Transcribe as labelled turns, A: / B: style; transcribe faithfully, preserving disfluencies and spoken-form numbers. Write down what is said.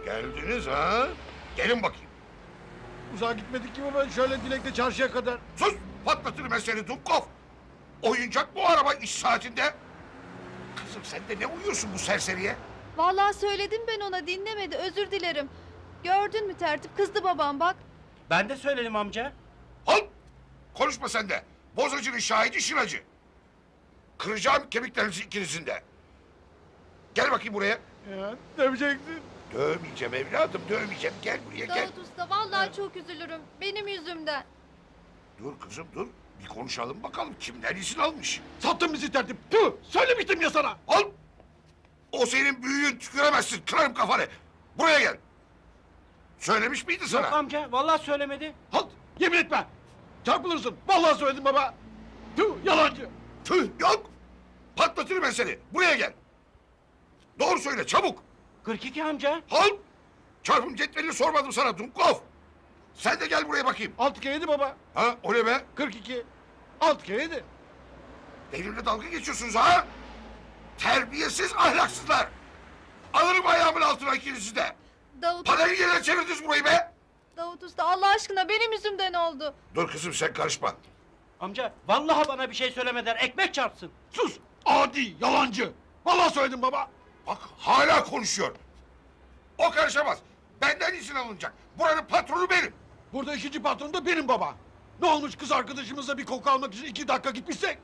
A: Geldiniz ha? Gelin bakayım.
B: Uzağa gitmedik ki baba. Şöyle Dilek'le çarşıya kadar.
A: Sus! Patlatırım ben seni Dumkov! Oyuncak bu araba iş saatinde. Kızım sen de ne uyuyorsun bu serseriye?
C: Vallahi söyledim ben ona, dinlemedi, özür dilerim. Gördün mü tertip, kızdı babam bak.
D: Ben de söyledim amca.
A: Al! Konuşma sen de. Bozacının şahidi şıracı. Kıracağım kemiklerinizi ikinizin de. Gel bakayım buraya.
B: Ya döveceksin.
A: Dövmeyeceğim evladım, dövmeyeceğim. Gel buraya gel.
C: Davut Usta, vallahi çok üzülürüm. Benim yüzümden.
A: Dur kızım dur. Bir konuşalım bakalım kimden izin almış.
B: Sattın bizi tertip. Tüh! Söylemiştim ya sana.
A: Al! O senin büyüğün, tüküremezsin. Kırarım kafanı. Buraya gel. Söylemiş miydi sana?
D: Yok amca, vallahi söylemedi.
B: Halt! Yemin etme. Çarpılırsın. Vallahi söyledim baba. Tüh! Yalancı.
A: Tüh yok. Patlatırım ben seni. Buraya gel. Doğru söyle çabuk.
D: kırk iki amca.
A: Al! Çarpım cetvelini sormadım sana Dumkov. Sen de gel buraya bakayım.
B: Altı kere yedi baba.
A: Ha o ne be?
B: Kırk iki. Altı kere yedi.
A: Benimle dalga geçiyorsunuz ha? Terbiyesiz ahlaksızlar. Alırım ayağımın altına ikinizi de.
C: Davut,
A: Parayı yerine çevirdiniz burayı be.
C: Davut Usta, Allah aşkına benim yüzümden oldu.
A: Dur kızım sen karışma.
D: Amca, vallahi bana bir şey söylemeden ekmek çarpsın.
B: Sus! Adi! Yalancı! Vallahi söyledim baba.
A: Bak hala konuşuyor. O karışamaz. Benden izin alınacak. Buranın patronu benim.
B: Burada ikinci patron da benim baba. Ne olmuş kız arkadaşımızla bir koku almak için iki dakika gitmişsek?